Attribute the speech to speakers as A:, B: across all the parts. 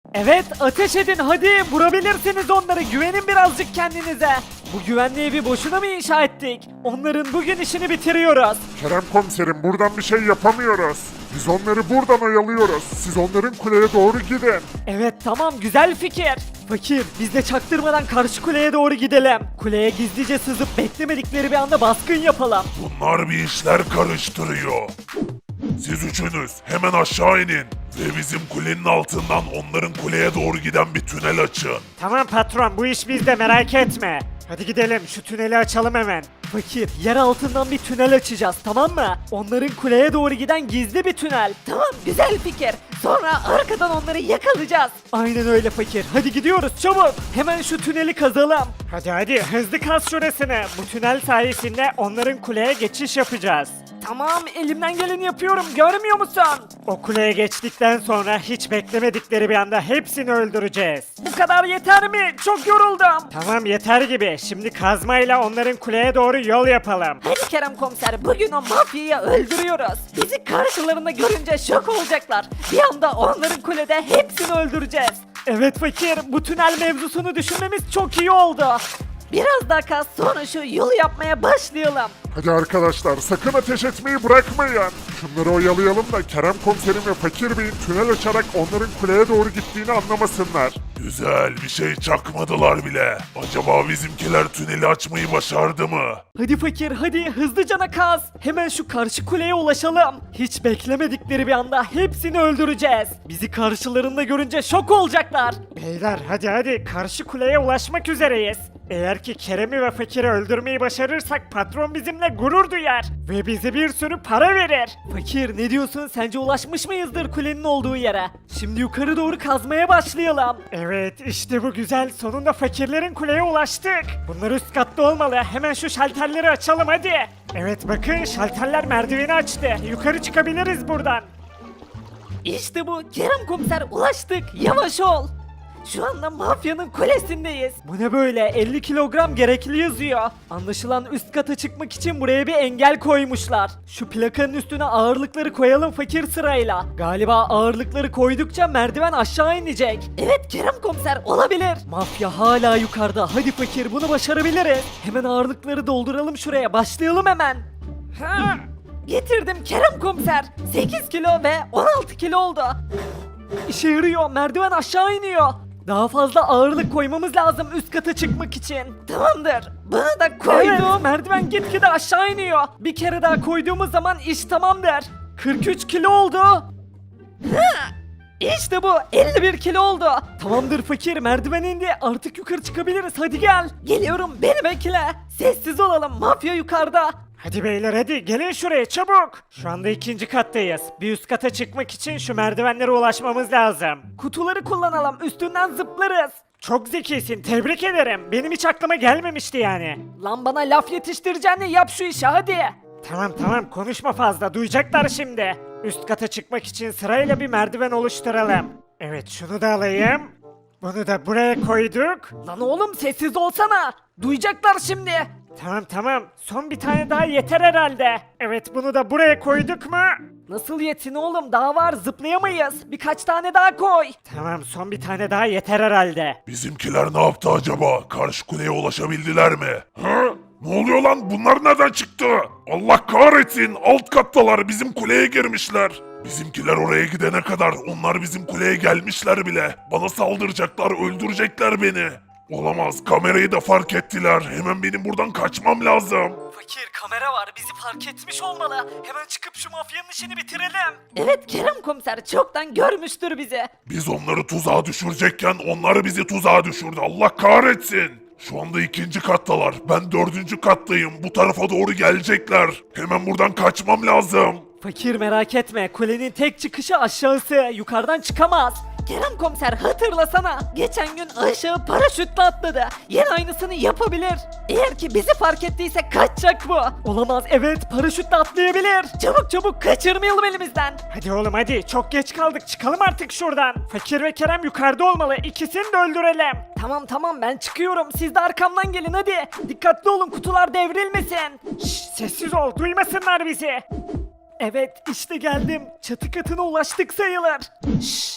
A: Evet, ateş edin hadi, vurabilirsiniz onları, güvenin birazcık kendinize. Bu güvenli evi boşuna mı inşa ettik? Onların bugün işini bitiriyoruz.
B: Kerem komiserim buradan bir şey yapamıyoruz. Biz onları buradan oyalıyoruz. Siz onların kuleye doğru gidin.
A: Evet tamam, güzel fikir. Fakir, biz de çaktırmadan karşı kuleye doğru gidelim. Kuleye gizlice sızıp beklemedikleri bir anda baskın yapalım.
C: Bunlar bir işler karıştırıyor. Siz üçünüz hemen aşağı inin ve bizim kulenin altından onların kuleye doğru giden bir tünel açın.
A: Tamam patron, bu iş bizde, merak etme. Hadi gidelim, şu tüneli açalım hemen. Fakir, yer altından bir tünel açacağız, tamam mı? Onların kuleye doğru giden gizli bir tünel. Tamam, güzel fikir. Sonra arkadan onları yakalayacağız. Aynen öyle fakir. Hadi gidiyoruz çabuk. Hemen şu tüneli kazalım. Hadi hızlı kaz şurasını. Bu tünel sayesinde onların kuleye geçiş yapacağız. Tamam, elimden geleni yapıyorum, görmüyor musun? O kuleye geçtikten sonra hiç beklemedikleri bir anda hepsini öldüreceğiz. Bu kadar yeter mi? Çok yoruldum. Tamam, yeter gibi. Şimdi kazmayla onların kuleye doğru yol yapalım.
D: Hadi Kerem komiser, bugün o mafyayı öldürüyoruz. Bizi karşılarında görünce şok olacaklar. Bir anda onların kulede hepsini öldüreceğiz.
A: Evet fakir, bu tünel mevzusunu düşünmemiz çok iyi oldu.
D: Biraz daha kaz, sonra şu yolu yapmaya başlayalım.
B: Hadi arkadaşlar sakın ateş etmeyi bırakmayın. Şunları oyalayalım da Kerem komiserim ve Fakir Bey'in tünel açarak onların kuleye doğru gittiğini anlamasınlar.
C: Güzel, bir şey çakmadılar bile. Acaba bizimkiler tüneli açmayı başardı mı?
A: Hadi fakir, hadi hızlıcana kaz. Hemen şu karşı kuleye ulaşalım. Hiç beklemedikleri bir anda hepsini öldüreceğiz. Bizi karşılarında görünce şok olacaklar. Beyler hadi karşı kuleye ulaşmak üzereyiz. Eğer ki Kerem'i ve Fakir'i öldürmeyi başarırsak patron bizimle gurur duyar ve bize bir sürü para verir. Fakir, ne diyorsun, sence ulaşmış mıyızdır kulenin olduğu yere? Şimdi yukarı doğru kazmaya başlayalım. Evet, işte bu güzel, sonunda fakirlerin kuleye ulaştık. Bunlar üst katta olmalı, hemen şu şalterleri açalım hadi. Evet bakın, şalterler merdiveni açtı, yukarı çıkabiliriz buradan.
D: İşte bu Kerem komiser, ulaştık. Yavaş ol. Şu anda mafyanın kulesindeyiz.
A: Bu ne böyle, 50 kilogram gerekli yazıyor. Anlaşılan üst kata çıkmak için buraya bir engel koymuşlar. Şu plakanın üstüne ağırlıkları koyalım fakir sırayla. Galiba ağırlıkları koydukça merdiven aşağı inecek.
D: Evet Kerem komiser, olabilir.
A: Mafya hala yukarıda, hadi fakir, bunu başarabiliriz. Hemen ağırlıkları dolduralım şuraya, başlayalım hemen.
D: Ha, getirdim Kerem komiser. 8 kilo ve 16 kilo oldu.
A: İşe yarıyor, merdiven aşağı iniyor. Daha fazla ağırlık koymamız lazım üst kata çıkmak için.
D: Tamamdır. Bunu da koydum.
A: Evet, merdiven gitgide aşağı iniyor. Bir kere daha koyduğumuz zaman iş tamamdır. 43 kilo oldu.
D: İşte bu 51 kilo oldu.
A: Tamamdır fakir, merdiven indi. Artık yukarı çıkabiliriz, hadi gel.
D: Geliyorum, beni bekle. Sessiz olalım, mafya yukarıda.
A: Hadi beyler hadi, gelin şuraya çabuk. Şu anda 2. kattayız. Bir üst kata çıkmak için şu merdivenlere ulaşmamız lazım. Kutuları kullanalım, üstünden zıplarız. Çok zekisin, tebrik ederim. Benim hiç aklıma gelmemişti yani.
D: Lan bana laf yetiştireceğine yap şu işi hadi.
A: Tamam konuşma fazla, duyacaklar şimdi. Üst kata çıkmak için sırayla bir merdiven oluşturalım. Evet, şunu da alayım. Bunu da buraya koyduk.
D: Lan oğlum sessiz olsana. Duyacaklar şimdi.
A: Tamam, son bir tane daha yeter herhalde. Evet, bunu da buraya koyduk mu?
D: Nasıl yetin oğlum, daha var, zıplayamayız. Birkaç tane daha koy.
A: Tamam, son bir tane daha yeter herhalde.
C: Bizimkiler ne yaptı acaba? Karşı kuleye ulaşabildiler mi? Ha? Ne oluyor lan? Bunlar nereden çıktı? Allah kahretsin! Alt kattalar, bizim kuleye girmişler. Bizimkiler oraya gidene kadar onlar bizim kuleye gelmişler bile. Bana saldıracaklar, öldürecekler beni. Olamaz, kamerayı da fark ettiler. Hemen benim buradan kaçmam lazım.
A: Fakir, kamera var, bizi fark etmiş olmalı. Hemen çıkıp şu mafyanın işini bitirelim.
D: Evet Kerem komiser çoktan görmüştür bizi.
C: Biz onları tuzağa düşürecekken onlar bizi tuzağa düşürdü. Allah kahretsin. Şu anda 2. kattalar. Ben 4. kattayım. Bu tarafa doğru gelecekler. Hemen buradan kaçmam lazım.
A: Fakir, merak etme, kulenin tek çıkışı aşağısı, yukarıdan çıkamaz.
D: Kerem komiser hatırlasana. Geçen gün aşağı paraşütle atladı. Yine aynısını yapabilir. Eğer ki bizi fark ettiyse kaçacak bu.
A: Olamaz, evet, paraşütle atlayabilir.
D: Çabuk kaçırmayalım elimizden.
A: Hadi oğlum hadi, çok geç kaldık, çıkalım artık şuradan. Fakir ve Kerem yukarıda olmalı, ikisini de öldürelim.
D: Tamam ben çıkıyorum. Siz de arkamdan gelin hadi. Dikkatli olun, kutular devrilmesin.
A: Şşş, sessiz ol, duymasınlar bizi. Evet, işte geldim, çatı katına ulaştık sayılır.
D: Şşş,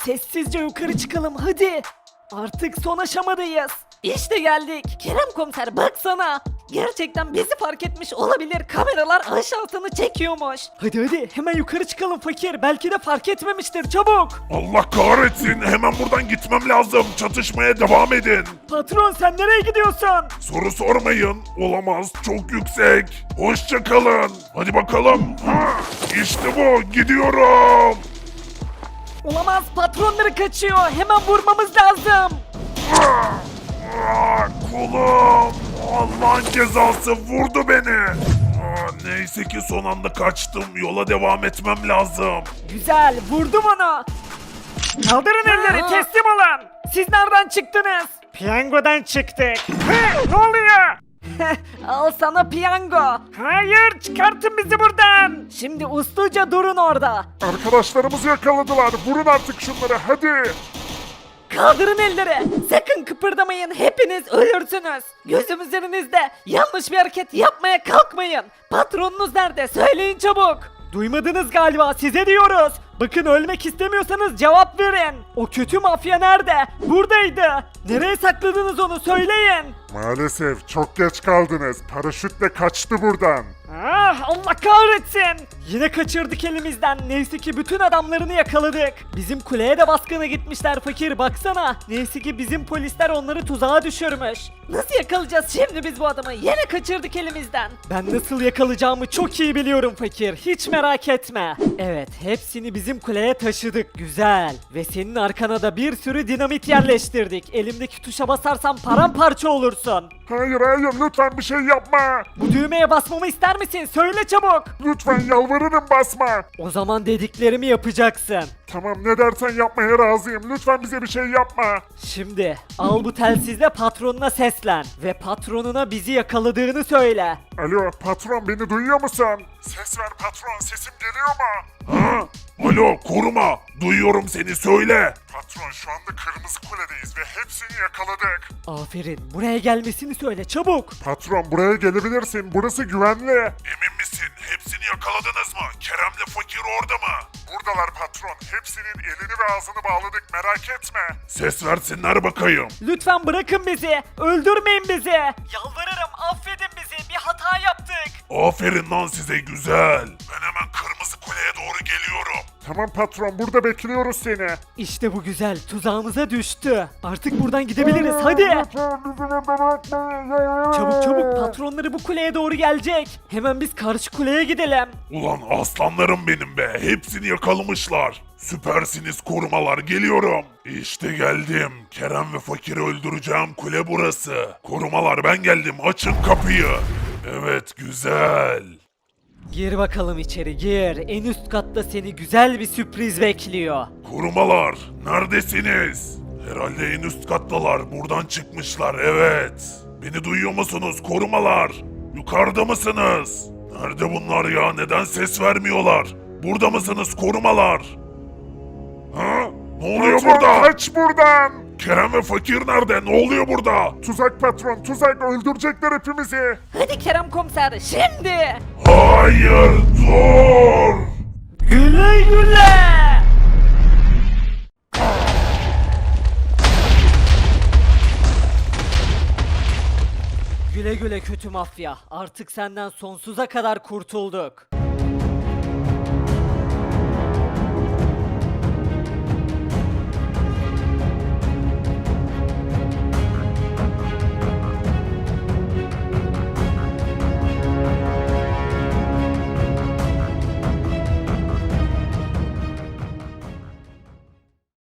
A: Sessizce yukarı çıkalım hadi. Artık son aşamadayız.
D: İşte geldik. Kerem komiser baksana. Gerçekten bizi fark etmiş olabilir. Kameralar aşağısını çekiyormuş.
A: Hadi hemen yukarı çıkalım fakir. Belki de fark etmemiştir, çabuk.
C: Allah kahretsin. Hemen buradan gitmem lazım. Çatışmaya devam edin.
A: Patron sen nereye gidiyorsun?
C: Soru sormayın. Olamaz. Çok yüksek. Hoşça kalın. Hadi bakalım. Ha, işte bu. Gidiyorum.
A: Olamaz, patronları kaçıyor. Hemen vurmamız lazım.
C: Kolum. Allah'ın cezası vurdu beni. Neyse ki son anda kaçtım. Yola devam etmem lazım.
A: Güzel, vurdum onu. Kaldırın elleri, teslim olun. Siz nereden çıktınız? Piyangodan çıktık. Ne oluyor?
D: Al sana piyango.
A: Hayır, çıkartın bizi buradan. Şimdi usluca durun orada.
B: Arkadaşlarımızı yakaladılar. Vurun artık şunları hadi.
D: Kaldırın elleri. Sakın kıpırdamayın. Hepiniz ölürsünüz. Gözüm üzerinizde. Yanlış bir hareket yapmaya kalkmayın. Patronunuz nerede? Söyleyin çabuk.
A: Duymadınız galiba, size diyoruz. Bakın, ölmek istemiyorsanız cevap verin. O kötü mafya nerede? Buradaydı. Nereye sakladınız onu, söyleyin.
B: Maalesef çok geç kaldınız. Paraşütle kaçtı buradan.
A: Ah, Allah kahretsin. Yine kaçırdık elimizden. Neyse ki bütün adamlarını yakaladık. Bizim kuleye de baskına gitmişler fakir, baksana. Neyse ki bizim polisler onları tuzağa düşürmüş.
D: Nasıl yakalayacağız şimdi biz bu adamı? Yine kaçırdık elimizden.
A: Ben nasıl yakalayacağımı çok iyi biliyorum fakir. Hiç merak etme. Evet, hepsini bizim kuleye taşıdık. Güzel. Ve senin arkana da bir sürü dinamit yerleştirdik. Elimdeki tuşa basarsan paramparça olursun.
B: Hayır lütfen bir şey yapma.
A: Bu düğmeye basmamı ister misin? Söyle çabuk.
B: Lütfen yalvarırım basma.
A: O zaman dediklerimi yapacaksın.
B: Tamam ne dersen yapmaya razıyım. Lütfen bize bir şey yapma.
A: Şimdi al bu telsizle patronuna seslen. Ve patronuna bizi yakaladığını söyle.
B: Alo patron beni duyuyor musun? Ses ver patron sesim geliyor mu?
C: Ha? Alo koruma. Duyuyorum seni söyle.
B: Patron şu anda Kırmızı Kule'deyiz ve hepsini yakaladık.
A: Aferin, buraya gelmesini söyle çabuk.
B: Patron buraya gelebilirsin. Burası güvenli.
C: Emin misin? Hepsini yakaladınız mı? Kerem'le fakir orada mı?
B: Buradalar patron. Hepsinin elini ve ağzını bağladık merak etme.
C: Ses versinler bakayım.
A: Lütfen bırakın bizi. Öldürmeyin bizi. Yalvarırım, affedin bizi. Bir hata yaptık.
C: Aferin lan size güzel. Ben hemen Kırmızı Kule'ye doğru geliyorum.
B: Tamam patron burada bekliyoruz seni.
A: İşte bu güzel. Tuzağımıza düştü. Artık buradan gidebiliriz. Hadi. Çabuk patronları bu kuleye doğru gelecek. Hemen biz karşı kuleye gidelim.
C: Ulan aslanlarım benim be. Hepsini yakalamışlar. Süpersiniz korumalar geliyorum. İşte geldim. Kerem ve fakiri öldüreceğim kule burası. Korumalar ben geldim açın kapıyı. Evet güzel.
A: Gir bakalım içeri, gir. En üst katta seni güzel bir sürpriz bekliyor.
C: Korumalar neredesiniz? Herhalde en üst kattalar. Buradan çıkmışlar evet. Beni duyuyor musunuz korumalar? Yukarıda mısınız? Nerede bunlar ya? Neden ses vermiyorlar? Burada mısınız korumalar? Ha? Ne oluyor
B: Patron
C: burada?
B: kaç buradan.
C: Kerem ve fakir nerede? Ne oluyor burada?
B: Tuzak patron tuzak öldürecekler hepimizi.
D: Hadi Kerem komiser şimdi.
C: Hayır dur!
A: Güle güle. Güle güle kötü mafya. Artık senden sonsuza kadar kurtulduk.